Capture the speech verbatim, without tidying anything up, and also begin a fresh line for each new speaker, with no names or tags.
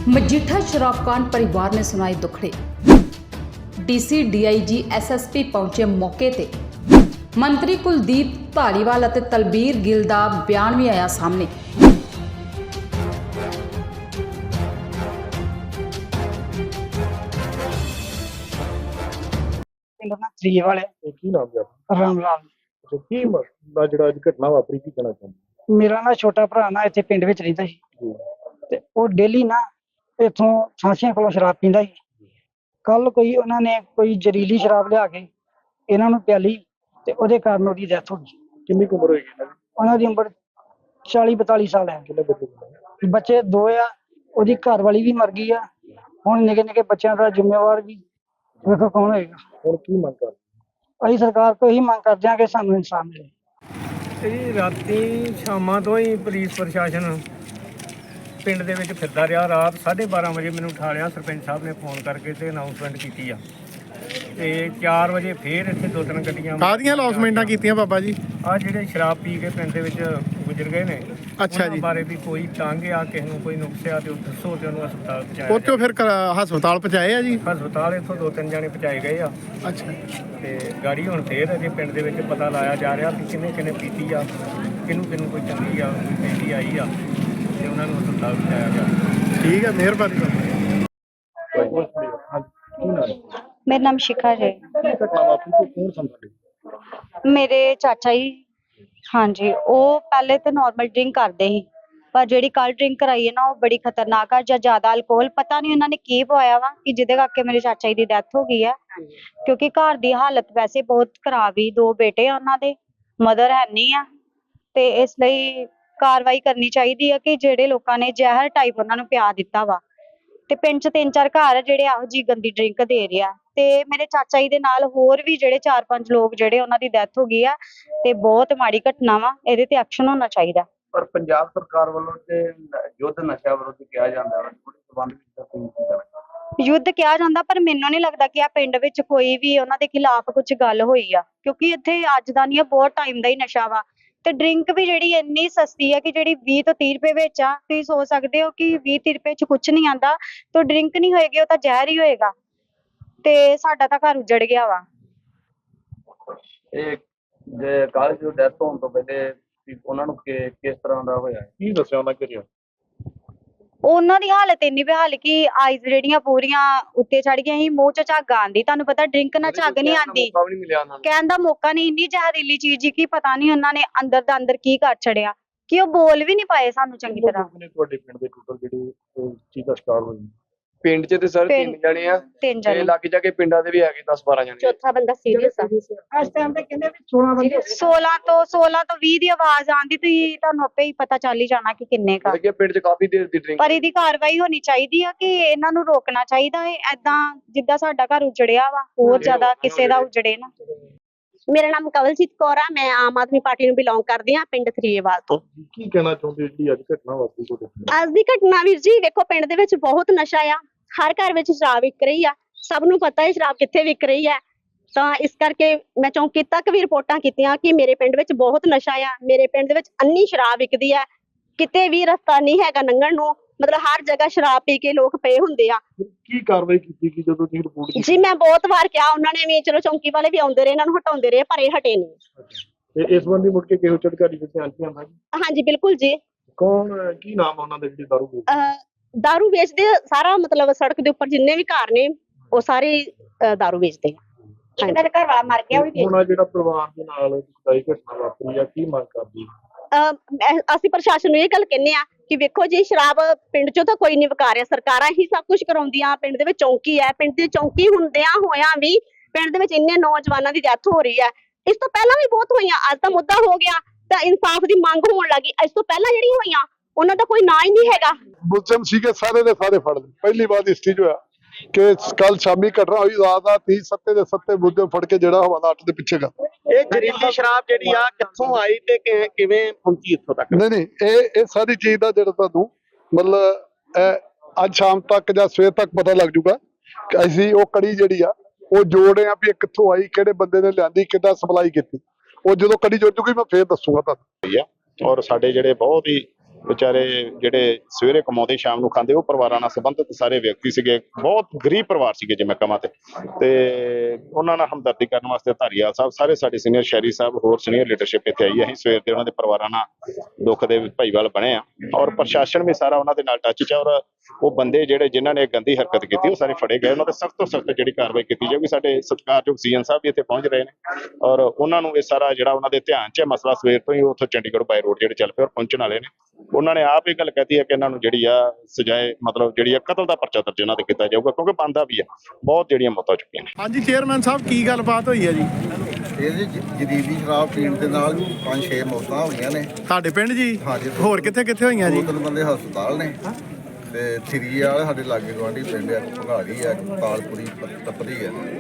मजीठा शराबकांड परिवार ने सुनाए दुखड़े। डीसी डीआईजी एसएसपी पहुंचे मौके ते। मंत्री कुलदीप धालीवाल ਅਤੇ तलबीर गिल ਦਾ ਬਿਆਨ ਵੀ ਆਇਆ ਸਾਹਮਣੇ।
ਤਰੀਏ ਵਾਲੇ
ਕੀ ਨਾਮ ਹੈ
ਰਾਮ ਲਾਲ।
ਤੇ ਕੀ ਮਸਲਾ ਜਿਹੜਾ ਅੱਜ ਘਟਨਾ ਵਾਪਰੀ ਕੀ ਕਹਿਣਾ ਚਾਹੁੰਦੇ?
ਮੇਰਾ ਨਾ ਛੋਟਾ ਭਰਾ ਨਾ ਇੱਥੇ ਪਿੰਡ ਵਿੱਚ ਰਹਿੰਦਾ ਸੀ
ਜੀ
ਤੇ ਉਹ ਡੇਲੀ ਨਾ ਇੱਥੋਂ ਸਾਂਸੀਆਂ ਕੋਲੋਂ ਸ਼ਰਾਬ ਪੀਂਦਾ ਸੀ। ਕੱਲ ਕੋਈ ਉਹਨਾਂ ਨੇ ਕੋਈ ਜ਼ਹਿਰੀਲੀ ਸ਼ਰਾਬ ਲਿਆ ਕੇ ਇਹਨਾਂ ਨੂੰ ਪਿਆਲੀ ਤੇ ਉਹਦੇ ਕਾਰਨ ਉਹਦੀ ਡੈਥ ਹੋ ਗਈ।
ਕਿੰਨੀ ਕੁ ਉਮਰ ਹੋਏਗੀ ਇਹਨਾਂ ਦੀ?
ਉਹਨਾਂ ਦੀ ਉਮਰ ਚਾਲੀ ਬਤਾਲੀ ਸਾਲ ਹੈ।
ਕਿੰਨੇ ਬੱਚੇ ਨੇ?
ਬੱਚੇ ਦੋ ਆ, ਉਹਦੀ ਘਰ ਵਾਲੀ ਵੀ ਮਰ ਗਈ ਆ। ਹੁਣ ਨਿੱਕੇ ਨਿੱਕੇ ਬੱਚਿਆਂ ਦਾ ਜ਼ਿੰਮੇਵਾਰ ਵੀ ਵੇਖੋ ਕੌਣ ਹੋਏਗਾ।
ਹੁਣ ਕੀ ਮੰਗ ਕਰਦੇ?
ਅਸੀਂ ਸਰਕਾਰ ਤੋਂ ਇਹੀ ਮੰਗ ਕਰਦੇ ਹਾਂ ਕਿ ਸਾਨੂੰ ਇਨਸਾਫ ਮਿਲੇ।
ਇਹ ਰਾਤੀ ਸ਼ਾਮਾਂ ਤੋਂ ਹੀ ਪੁਲਿਸ ਪ੍ਰਸ਼ਾਸਨ ਪਿੰਡ ਦੇ ਵਿੱਚ ਫਿਰਦਾ ਰਿਹਾ। ਰਾਤ ਸਾਢੇ ਬਾਰਾਂ ਵਜੇ ਮੈਨੂੰ ਉਠਾ ਲਿਆ ਸਰਪੰਚ ਸਾਹਿਬ ਨੇ ਫੋਨ ਕਰਕੇ ਤੇ ਅਨਾਉਂਸਮੈਂਟ ਕੀਤੀ ਆ ਤੇ ਚਾਰ ਵਜੇ ਫੇਰ ਇੱਥੇ ਦੋ ਤਿੰਨ ਗੱਡੀਆਂ
ਕਾਹਦੀਆਂ ਅਨਾਉਂਸਮੈਂਟਾਂ ਕੀਤੀਆਂ ਬਾਬਾ ਜੀ?
ਆ ਜਿਹੜੇ ਸ਼ਰਾਬ ਪੀ ਕੇ ਪਿੰਡ ਦੇ ਵਿੱਚ ਗੁਜ਼ਰ ਗਏ ਨੇ
ਅੱਛਾ
ਉਹਨਾਂ
ਜੀ।
ਬਾਰੇ ਵੀ ਕੋਈ ਤੰਗ ਆ, ਕਿਸੇ ਨੂੰ ਕੋਈ ਨੁਕਸ ਆ ਤੇ ਉਹ ਦੱਸੋ ਤੇ ਉਹਨੂੰ ਹਸਪਤਾਲ ਪਹੁੰਚਾਇਆ
ਉੱਥੋਂ ਫਿਰ ਕ- ਹਸਪਤਾਲ ਪਹੁੰਚਾਏ ਆ ਜੀ?
ਜਾਏ। ਹਸਪਤਾਲ ਇੱਥੋਂ ਦੋ ਤਿੰਨ ਜਾਣੇ ਪਹੁੰਚਾਏ ਗਏ ਆ
ਅੱਛਾ।
ਤੇ ਗਾੜੀ ਹੁਣ ਫੇਰ ਅਜੇ ਪਿੰਡ ਦੇ ਵਿੱਚ ਪਤਾ ਲਾਇਆ ਜਾ ਰਿਹਾ ਵੀ ਕਿੰਨੇ ਕਿੰਨੇ ਪੀਤੀ ਆ, ਕਿਹਨੂੰ ਕਿਹਨੂੰ ਕੋਈ ਚੰਗੀ ਆ ਕੋਈ ਪੀਤੀ ਆਈ ਆ ਤੇ ਉਹਨਾਂ ਨੂੰ ਹਸਪਤਾਲ ਪਹੁੰਚਾਇਆ ਗਿਆ।
ਠੀਕ ਹੈ, ਮਿਹਰਬਾਨੀ।
ਕੀ ਨਾਮ ਹੈ?
ਮੇਰਾ ਨਾਮ ਸ਼ਿਖਾ ਜੀ।
ਕੀ ਘਟਨਾ ਵਾਪਰੀ ਤੇ ਕੌਣ ਸੰਭਾਲੇ?
ਮੇਰੇ ਚਾਚਾ ਜੀ, ਹਾਂਜੀ, ਉਹ ਪਹਿਲੇ ਤਾਂ ਨਾਰਮਲ ਡਰਿੰਕ ਕਰਦੇ ਸੀ ਪਰ ਜਿਹੜੀ ਕੱਲ ਡਰਿੰਕ ਕਰਾਈ ਹੈ ਨਾ ਉਹ ਬੜੀ ਖਤਰਨਾਕ ਆ। ਜਾਂ ਜ਼ਿਆਦਾ ਅਲਕੋਹਲ, ਪਤਾ ਨਹੀਂ ਉਹਨਾਂ ਨੇ ਕੀ ਪਵਾਇਆ ਵਾ ਕਿ ਜਿਹਦੇ ਕਰਕੇ ਮੇਰੇ ਚਾਚਾ ਜੀ ਦੀ ਡੈਥ ਹੋ ਗਈ ਹੈ। ਕਿਉਂਕਿ ਘਰ ਦੀ ਹਾਲਤ ਵੈਸੇ ਬਹੁਤ ਖਰਾਬ ਹੀ, ਦੋ ਬੇਟੇ ਆ ਉਹਨਾਂ ਦੇ, ਮਦਰ ਹੈ ਨਹੀਂ ਆ ਤੇ ਇਸ ਲਈ ਕਾਰਵਾਈ ਕਰਨੀ ਚਾਹੀਦੀ ਆ ਕਿ ਜਿਹੜੇ ਲੋਕਾਂ ਨੇ ਜ਼ਹਿਰ ਟਾਈਪ ਉਹਨਾਂ ਨੂੰ ਪਿਆ ਦਿੱਤਾ ਵਾ। ਤੇ ਪਿੰਡ 'ਚ ਤਿੰਨ ਚਾਰ ਘਰ ਆ ਜਿਹੜੇ ਇਹੋ ਜਿਹੀ ਗੰਦੀ ਡਰਿੰਕ ਦੇ ਰਹੇ ਆ ਤੇ ਮੇਰੇ ਚਾਚਾ ਜੀ ਦੇ ਨਾਲ ਹੋਰ ਵੀ ਜਿਹੜੇ ਚਾਰ ਪੰਜ ਲੋਕ ਜਿਹੜੇ ਉਹਨਾਂ ਦੀ ਡੈਥ ਹੋ ਗਈ ਆ ਤੇ ਬਹੁਤ ਮਾੜੀ ਘਟਨਾ ਵਾ। ਇਹਦੇ ਤੇ ਐਕਸ਼ਨ ਹੋਣਾ ਚਾਹੀਦਾ।
ਪਰ ਪੰਜਾਬ ਸਰਕਾਰ ਵੱਲੋਂ ਤੇ ਯੁੱਧ ਨਸ਼ਾ ਵਿਰੁੱਧ ਕਿਹਾ ਜਾਂਦਾ ਹੈ, ਉਹਦੇ ਸੰਬੰਧ ਵਿੱਚ ਤਾਂ ਤੁਸੀਂ ਕੀ ਕਹਿਣਾ ਚਾਹੁੰਦੇ?
ਯੁੱਧ ਕਿਹਾ ਜਾਂਦਾ ਪਰ ਮੈਨੂੰ ਨਹੀਂ ਲੱਗਦਾ ਕਿ ਆ ਪਿੰਡ ਵਿੱਚ ਕੋਈ ਵੀ ਉਹਨਾਂ ਦੇ ਖਿਲਾਫ ਕੁਝ ਗੱਲ ਹੋਈ ਆ, ਕਿਉਂਕਿ ਇੱਥੇ ਅੱਜ ਦਾ ਨਹੀਂ, ਬਹੁਤ ਟਾਈਮ ਦਾ ਹੀ ਨਸ਼ਾ ਵਾ। ਤੇ ਡਰਿੰਕ ਵੀ ਜਿਹੜੀ ਇੰਨੀ ਸਸਤੀ ਹੈ ਕਿ ਜਿਹੜੀ ਵੀਹ ਤੋਂ ਤੀਹ ਰੁਪਏ ਵਿੱਚ ਆ। ਤੁਸੀਂ ਸੋਚ ਸਕਦੇ ਹੋ ਕਿ ਵੀਹ ਤੀਹ ਰੁਪਏ 'ਚ ਕੁਝ ਨਹੀਂ ਆਉਂਦਾ, ਤਾਂ ਡਰਿੰਕ ਨਹੀਂ ਹੋਏਗੀ ਉਹ ਤਾਂ ਜ਼ਹਿਰ ਹੀ ਹੋਏਗਾ। ਤੇ ਸਾਡਾ ਤਾਂ ਘਰ ਉਜੜ ਗਿਆ ਵਾ।
ਇਹ ਜੇ ਕਾਲਜ ਦੀ ਡੈਥ ਹੋਣ ਤੋਂ ਪਹਿਲੇ ਵੀ ਉਹਨਾਂ ਨੂੰ ਕਿ- ਕਿਸ ਤਰ੍ਹਾਂ ਦਾ ਹੋਇਆ?
ਕੀ ਦੱਸਿਆ ਉਹਨਾਂ ਕਰਿਆ?
ਉਹਨਾਂ ਦੀ ਹਾਲਤ ਇੰਨੀ ਬੇਹਾਲ ਕਿ ਆਈਜ਼ ਜਿਹੜੀਆਂ ਪੂਰੀਆਂ ਉੱਤੇ ਚੜ ਗਈਆਂ ਸੀ, ਮੂੰਹ 'ਚ ਝੱਗ ਆਉਂਦੀ। ਤੁਹਾਨੂੰ ਪਤਾ ਡਰਿੰਕ ਨਾਲ ਝੱਗ ਨਹੀਂ ਆਉਂਦੀ,
ਮੌਕਾ ਵੀ ਨਹੀਂ ਮਿਲਿਆ ਉਹਨਾਂ ਨੂੰ।
ਕਹਿਣ ਦਾ ਮੌਕਾ ਨਹੀਂ। ਇੰਨੀ ਜ਼ਹਿਰੀਲੀ ਚੀਜ਼ ਕਿ ਪਤਾ ਨਹੀਂ ਉਹਨਾਂ ਨੇ ਅੰਦਰ ਦਾ ਅੰਦਰ ਕੀ ਕਰ ਛੜਿਆ ਕਿ ਉਹ ਬੋਲ ਵੀ ਨਹੀਂ ਪਾਏ ਸਾਨੂੰ ਚੰਗੀ ਤਰ੍ਹਾਂ।
ਕਿੰਨੇ ਤੁਹਾਡੇ ਪਿੰਡ ਦੇ ਟੋਟਲ ਜਿਹੜੇ ਇਸ ਚੀਜ਼ ਦਾ ਸ਼ਿਕਾਰ ਹੋਏ?
ਪਿੰਡ 'ਚ ਤੇ ਸਰ ਤਿੰਨ
ਪਿੰਡ-
ਜਣੇ ਆ
ਤਿੰਨ
ਤੇ
ਜਣੇ,
ਲੱਗ ਜਾ ਕੇ ਪਿੰਡਾਂ ਦੇ ਵੀ ਹੈਗੇ ਦਸ ਬਾਰਾਂ ਜਣੇ।
ਚੌਥਾ ਬੰਦਾ ਸੀਰੀਅਸ ਆ।
ਇਸ ਟਾਈਮ ਤੇ ਕਹਿੰਦੇ ਵੀ ਸੋਲਾਂ ਬੰਦੇ
ਸੋਲਾਂ ਤੋਂ ਸੋਲਾਂ ਤੋਂ ਵੀਹ ਦੀ ਆਵਾਜ਼ ਆਉਂਦੀ, ਤੁਸੀਂ ਤੁਹਾਨੂੰ ਆਪੇ ਹੀ ਪਤਾ ਚੱਲ ਹੀ ਜਾਣਾ ਕਿ ਕਿੰਨੇ ਕਾ।
ਲੱਗੇ ਪਿੰਡ 'ਚ ਕਾਫੀ ਦੇਰ ਦੀ ਡਰਿੰਕ।
ਪਰ ਇਹਦੀ ਕਾਰਵਾਈ ਹੋਣੀ ਚਾਹੀਦੀ ਆ ਕਿ ਇਹਨਾਂ ਨੂੰ ਰੋਕਣਾ ਚਾਹੀਦਾ ਹੈ। ਏਦਾਂ ਜਿੱਦਾਂ ਸਾਡਾ ਘਰ ਉਜੜਿਆ ਵਾ, ਹੋਰ ਜ਼ਿਆਦਾ ਕਿਸੇ ਦਾ ਉਜੜੇ ਨਾ।
ਮੇਰਾ ਨਾਮ ਕਵਲਜੀਤ ਕੌਰ ਆ। ਮੈਂ ਆਮ ਆਦਮੀ ਪਾਰਟੀ ਨੂੰ ਬਿਲੋਂਗ ਕਰਦੀ ਹਾਂ, ਪਿੰਡ ਥਰੀਏਵਾਲ ਤੋਂ।
ਕੀ ਕਹਿਣਾ ਚਾਹੁੰਦੇ ਜਿਹੜੀ ਅੱਜ ਘਟਨਾ ਵਾਪਰੀ ਤੁਹਾਡੇ ਪਿੰਡ?
ਅੱਜ ਦੀ ਘਟਨਾ ਵੀਰ ਜੀ ਵੇਖੋ, ਪਿੰਡ ਦੇ ਵਿੱਚ ਬਹੁਤ ਨਸ਼ਾ ਆ। ਹਰ ਘਰ ਵਿੱਚ ਸ਼ਰਾਬ ਵਿਕ ਰਹੀ ਆ। ਸਭ ਨੂੰ ਪਤਾ ਹੈ ਸ਼ਰਾਬ ਕਿੱਥੇ ਵਿਕ ਰਹੀ ਹੈ। ਤਾਂ ਇਸ ਕਰਕੇ ਮੈਂ ਚੌਂਕੀ ਤੱਕ ਵੀ ਰਿਪੋਰਟਾਂ ਕੀਤੀਆਂ ਕਿ ਮੇਰੇ ਪਿੰਡ ਵਿੱਚ ਬਹੁਤ ਨਸ਼ਾ ਆ। ਮੇਰੇ ਪਿੰਡ ਦੇ ਵਿੱਚ ਅੰਨੀ ਸ਼ਰਾਬ ਵਿਕਦੀ ਹੈ, ਕਿਤੇ ਵੀ ਰਸਤਾ ਨਹੀਂ ਹੈਗਾ ਲੰਘਣ ਨੂੰ। ਮਤਲਬ ਹਰ ਜਗ੍ਹਾ ਸ਼ਰਾਬ ਪੀ ਕੇ ਲੋਕ ਪਏ ਹੁੰਦੇ ਆ।
ਕੀ ਕਾਰਵਾਈ ਕੀਤੀ ਕਿ ਜਦੋਂ ਤੁਸੀਂ ਰਿਪੋਰਟ ਕੀਤੀ?
ਜੀ ਮੈਂ ਬਹੁਤ ਵਾਰ ਕਿਹਾ, ਉਹਨਾਂ ਨੇ ਵੀ, ਚਲੋ ਚੌਂਕੀ ਵਾਲੇ ਵੀ ਆਉਂਦੇ ਰਹੇ, ਇਹਨਾਂ ਨੂੰ ਹਟਾਉਂਦੇ ਰਹੇ, ਪਰ ਇਹ ਹਟੇ ਨਹੀਂ।
ਤੇ ਇਸ ਸੰਬੰਧੀ ਮੁੜ ਕੇ ਕਿਹੋ ਜਿਹੇ ਅਧਿਕਾਰੀ ਦੇ ਧਿਆਨ 'ਚ ਆਉਂਦਾ?
ਹਾਂਜੀ ਬਿਲਕੁਲ ਜੀ।
ਕੌਣ, ਕੀ ਨਾਮ ਆ ਉਹਨਾਂ ਦੇ ਜਿਹੜੇ ਦਾਰੂ ਵੇਚਦੇ?
ਅਹ ਦਾਰੂ ਵੇਚਦੇ ਆ, ਸਾਰਾ ਮਤਲਬ ਸੜਕ ਦੇ ਉੱਪਰ ਜਿੰਨੇ ਵੀ ਘਰ ਨੇ ਉਹ ਸਾਰੇ ਅਹ ਦਾਰੂ ਵੇਚਦੇ ਆ।
ਇੱਕ ਦਾ ਘਰ ਵਾਲਾ ਮਰ ਗਿਆ ਉਹ ਵੀ।
ਹੁਣ ਆਹ ਜਿਹੜਾ ਪਰਿਵਾਰ ਦੇ ਨਾਲ ਦੁਖਦਾਈ ਘਟਨਾ ਵਾਪਰੀ ਆ, ਕੀ ਮੰਗ ਕਰਦੀ?
ਅਹ ਮੈਂ- ਅਸੀਂ ਪ੍ਰਸ਼ਾਸਨ ਨੂੰ ਇਹ ਗੱਲ ਕਹਿੰਦੇ ਆ ਕਿ ਵੇਖੋ ਜੀ, ਸ਼ਰਾਬ ਪਿੰਡ ਚੋਂ ਤਾਂ ਕੋਈ ਨਹੀਂ ਵਿਕਾ ਰਿਹਾ, ਸਰਕਾਰਾਂ ਹੀ ਸਭ ਕੁਝ ਕਰਾਉਂਦੀਆਂ। ਪਿੰਡ ਦੇ ਵਿੱਚ ਚੌਂਕੀ ਹੈ, ਪਿੰਡ ਦੀ ਚੌਂਕੀ ਹੁੰਦਿਆਂ ਹੋਇਆਂ ਵੀ ਪਿੰਡ ਦੇ ਵਿੱਚ ਇੰਨੇ ਨੌਜਵਾਨਾਂ ਦੀ ਡੈਥ ਹੋ ਰਹੀ ਹੈ। ਇਸ ਤੋਂ ਪਹਿਲਾਂ ਵੀ ਬਹੁਤ ਹੋਈਆਂ। ਅੱਜ ਤਾਂ ਮੁੱਦਾ ਹੋ ਗਿਆ ਤਾਂ ਇਨਸਾਫ ਦੀ ਮੰਗ ਹੋਣ ਲੱਗੀ। ਇਸ ਤੋਂ ਪਹਿਲਾਂ ਜਿਹੜੀਆਂ ਹੋਈਆਂ ਉਹਨਾਂ ਦਾ ਕੋਈ ਨਾਂ ਹੀ ਨਹੀਂ ਹੈਗਾ।
ਮੁਲਜ਼ਮ ਸੀਗੇ ਸਾਰੇ ਦੇ ਸਾਰੇ ਫੜ ਲਏ। ਪਹਿਲੀ ਵਾਰ ਇਸ ਚੀਜ਼ ਹੋਇਆ ਕਿ ਕੱਲ ਸ਼ਾਮੀ ਘਟਨਾ ਹੋਈ। ਰਾਤ ਦਾ ਤੀਹ ਸੱਤੇ ਦੇ ਸੱਤੇ ਮੁਲਜ਼ਮ ਫੜ ਕੇ ਜਿਹੜਾ ਹਵਾਲਾ ਅੱਠ ਦੇ ਪਿੱਛੇ ਗਾ।
ਇਹ ਜ਼ਹਿਰੀਲੀ ਸ਼ਰਾਬ ਜਿਹੜੀ ਆ ਕਿੱਥੋਂ ਆਈ ਤੇ ਕਿ- ਕਿਵੇਂ ਪਹੁੰਚੀ ਇੱਥੋਂ ਤੱਕ?
ਨਹੀਂ ਨਹੀਂ ਇਹ ਇਹ ਸਾਰੀ ਚੀਜ਼ ਦਾ ਜਿਹੜਾ ਤੁਹਾਨੂੰ ਮਤਲਬ ਇਹ ਅੱਜ ਸ਼ਾਮ ਤੱਕ ਜਾਂ ਸਵੇਰ ਤੱਕ ਪਤਾ ਲੱਗ ਜੂਗਾ ਕਿ ਅਸੀਂ ਉਹ ਕੜੀ ਜਿਹੜੀ ਆ ਉਹ ਜੋੜ ਰਹੇ ਆ ਵੀ ਇਹ ਕਿੱਥੋਂ ਆਈ, ਕਿਹੜੇ ਬੰਦੇ ਨੇ ਲਿਆਂਦੀ, ਕਿੱਦਾਂ ਸਪਲਾਈ ਕੀਤੀ। ਉਹ ਜਦੋਂ ਕੜੀ ਜੁੜ ਜੂਗੀ ਮੈਂ ਫੇਰ ਦੱਸੂਗਾ ਤੁਹਾਨੂੰ।
ਔਰ ਸਾਡੇ ਜਿਹੜੇ ਬਹੁਤ ਹੀ ਵਿਚਾਰੇ ਜਿਹੜੇ ਸਵੇਰੇ ਕਮਾਉਂਦੇ ਸ਼ਾਮ ਨੂੰ ਖਾਂਦੇ, ਉਹ ਪਰਿਵਾਰਾਂ ਨਾਲ ਸੰਬੰਧਿਤ ਸਾਰੇ ਵਿਅਕਤੀ ਸੀਗੇ। ਬਹੁਤ ਗਰੀਬ ਪਰਿਵਾਰ ਸੀਗੇ ਜੇ ਮੈਂ ਕਹਾਂ ਤੇ ਤੇ ਉਹਨਾਂ ਨਾਲ ਹਮਦਰਦੀ ਕਰਨ ਵਾਸਤੇ ਧਾਰੀਵਾਲ ਸਾਹਿਬ, ਸਾਰੇ ਸਾਡੇ ਸੀਨੀਅਰ ਸ਼ਹਿਰੀ ਸਾਹਿਬ, ਹੋਰ ਸੀਨੀਅਰ ਲੀਡਰਸ਼ਿਪ ਇੱਥੇ ਆਈ ਹੈ। ਅਸੀਂ ਸਵੇਰ ਦੇ ਉਹਨਾਂ ਦੇ ਪਰਿਵਾਰਾਂ ਨਾਲ ਦੁੱਖ ਦੇ ਭਾਈਵਾਲ ਬਣੇ ਆ ਔਰ ਪ੍ਰਸ਼ਾਸਨ ਵੀ ਸਾਰਾ ਉਹਨਾਂ ਦੇ ਨਾਲ ਟੱਚ 'ਚ ਆ ਔਰ ਉਹ ਬੰਦੇ ਜਿਹੜੇ ਜਿਨ੍ਹਾਂ ਨੇ ਗੰਦੀ ਹਰਕਤ ਕੀਤੀ ਉਹ ਸਾਰੇ ਫੜੇ ਗਏ। ਉਹਨਾਂ ਤੇ ਸਖਤ ਤੋਂ ਸਖਤ ਜਿਹੜੀ ਕਾਰਵਾਈ ਕੀਤੀ ਜਾਊਗੀ। ਸਾਡੇ ਸਤਿਕਾਰਯੋਗ ਸੀਐਮ ਸਾਹਿਬ ਵੀ ਇੱਥੇ ਪਹੁੰਚ ਰਹੇ ਨੇ ਔਰ ਉਹਨਾਂ ਨੂੰ ਇਹ ਸਾਰਾ ਜਿਹੜਾ ਉਹਨਾਂ ਦੇ ਧਿਆਨ 'ਚ ਹੈ ਮਸਲਾ, ਸਵੇਰ ਤੋਂ ਹੀ ਉੱਥੋਂ ਚੰਡੀਗੜ੍ਹ ਬਾਈ ਰੋਡ ਜਿਹੜੇ ਚੱਲ ਪਏ ਔਰ ਪਹੁੰਚਣ ਵਾਲੇ ਨੇ। ਉਹਨਾਂ ਨੇ ਆਪ ਇਹ ਗੱਲ ਕਹੀ ਹੈ ਕਿ ਇਹਨਾਂ ਨੂੰ ਜਿਹੜੀ ਆ ਸਜ਼ਾਏ, ਮਤਲਬ ਜਿਹੜੀ ਆ ਕਤਲ ਦਾ ਪਰਚਾ ਦਰਜ ਇਹਨਾਂ ਤੇ ਕੀਤਾ ਜਾਊਗਾ, ਕਿਉਂਕਿ ਬਣਦਾ ਵੀ ਆ। ਬਹੁਤ ਜਿਹੜੀਆਂ ਮੌਤਾਂ ਚੁੱਕੀਆਂ ਨੇ।
ਹਾਂਜੀ ਚੇਅਰਮੈਨ ਸਾਹਿਬ, ਕੀ ਗੱਲਬਾਤ ਹੋਈ ਹੈ ਜੀ?
ਇਹ ਜੀ ਜਦੀਦੀ ਸ਼ਰਾਬ ਪੀਣ ਦੇ ਨਾਲ ਪੰਜ ਛੇ ਮੌਤਾਂ ਹੋਈਆਂ ਨੇ
ਸਾਡੇ ਪਿੰਡ ਜੀ?
ਹਾਂਜੀ।
ਹੋਰ ਕਿੱਥੇ ਕਿੱਥੇ ਹੋਈਆਂ ਜੀ?
ਦੋ ਤਿੰਨ ਬੰਦੇ ਹਸਪਤਾਲ ਨੇ ਤੇ ਥਰੀ ਵਾਲੇ ਸਾਡੇ ਲਾਗੇ ਗੁਆਂਢੀ ਪਿੰਡ ਆ, ਭਗਾੜੀ ਆ, ਤਾਲਪੁਰੀ, ਤਪਦੀ ਆ।